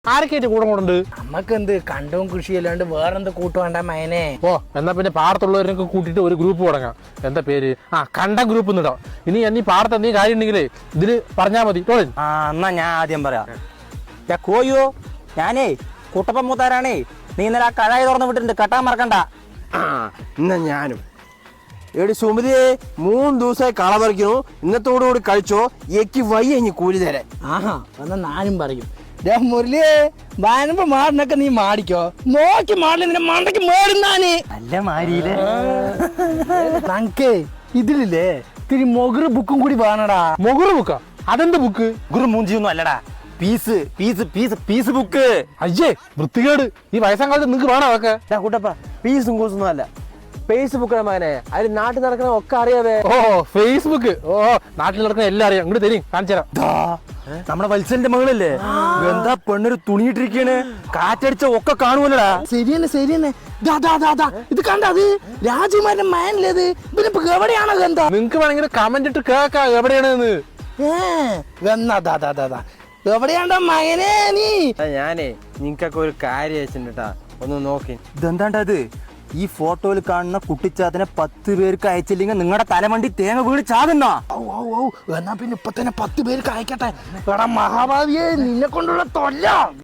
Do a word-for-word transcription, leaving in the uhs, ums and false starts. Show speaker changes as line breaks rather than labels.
ആരൊക്കെയായിട്ട് കൂടെ കൂടുണ്ട്?
നമ്മക്കെന്ത് കണ്ടവും കൃഷി അല്ലാണ്ട് വേറെന്ത് കൂട്ടു വേണ്ട മയനെ.
ഓ എന്നാ പിന്നെ പാടത്തുള്ളവരൊക്കെ കൂട്ടിയിട്ട് ഒരു ഗ്രൂപ്പ് തുടങ്ങാം. എന്താ പേര്? ആ കണ്ടം ഗ്രൂപ്പ് എന്നിടാം. ഇനി എന്നീ പാടത്ത് എന്തെങ്കിലും കാര്യം ഉണ്ടെങ്കിലേ ഇതില് പറഞ്ഞാ മതി. ടോളിൻ
ആ എന്നാ ഞാൻ ആദ്യം പറയാം. കോയോ ഞാനേ കുട്ടപ്പൻ മൂത്താരാണേ. നീ ഇന്നലെ ആ കഴായി തുറന്ന് വിട്ടിട്ടുണ്ട്, കെട്ടാൻ മറക്കണ്ട.
ആ എന്നാ ഞാനും എടി സുമതിയെ മൂന്ന് ദിവസമായി കള പറിക്കുന്നു. ഇന്നത്തോടുകൂടി കഴിച്ചോ, എനിക്ക് വയ്യ ഇനി കൂലി തരാൻ.
ആഹാ എന്നാ ഞാനും പറയും. മുരളിയെ വാനുമ്പോ മാടിനൊക്കെ നീ മാടിക്കോ, നോക്കി മാടില്ല നിന്റെ മണ്ടയ്ക്ക് മേടുന്നാന്.
നല്ല മാരിയില്ലേ
നമുക്ക് ഇതിലില്ലേ ഇത്തിരി മൊഗറ് ബുക്കും കൂടി വേണടാ.
മുകുറ് ബുക്കാ? അതെന്ത് ബുക്ക്?
ഗുരു മൂഞ്ചിയൊന്നും അല്ലടാ, piece piece piece piece book.
അയ്യേ വൃത്തികേട്. ഈ വയസ്സാം കാലത്ത് നിങ്ങക്ക് വേണം അതൊക്കെ?
കൂട്ടപ്പ പീസും കൂസൊന്നും അല്ല, ഫേസ്ബുക്ക് മകനെ. അതിൽ നാട്ടിൽ നടക്കണ ഒക്കെ അറിയാവേ.
ഓ ഫേസ്ബുക്ക്. ഓ നാട്ടിൽ നടക്കുന്ന എല്ലാം അറിയാം. ഇങ്ങോട്ട് തരും, കാണിച്ചു തരാം.
നമ്മുടെ വത്സലിന്റെ മകളല്ലേ, എന്താ പെണ്ണൊരു തുണിയിട്ടിരിക്കാണ്, കാറ്റടിച്ച ഒക്കെ കാണുമല്ലടാ.
ശരിയെന്നെ ശരിയെന്നെ. ദാ, ദാ, ദാ, ദാ. ഇത് കണ്ടത് രാജകുമാരന്റെ മയനിലേത്? ഇവനിപ്പോ എവിടെയാണോ ഗന്ധ?
നിങ്ങക്ക് വേണമെങ്കിൽ കമന്റ് ഇട്ട് കേൾക്കാം എവിടെയാണെന്ന്.
എന്നാ ദാ, ദാ, ദാ, ദാ. എവിടെയാണ്ടോ മകനെ നീ?
ഞാനേ നിങ്ങക്കൊക്കെ ഒരു കാര്യം അയച്ചിട്ടാ, ഒന്ന് നോക്കി.
ഇതെന്താണ്ടത്? ഈ ഫോട്ടോയിൽ കാണുന്ന കുട്ടിച്ചാത്തിനെ പത്ത് പേർക്ക് അയച്ചില്ലെങ്കിൽ നിങ്ങളുടെ തലമണ്ടി തേങ്ങ വീട് ചാകുന്ന.
ഔ, ഔ, ഔ. എന്നാ പിന്നെ ഇപ്പൊ തന്നെ പത്ത് പേർക്ക് അയക്കട്ടെ. എടാ മഹാഭാവിയെ, നിന്നെ കൊണ്ടുള്ള തൊല്ല.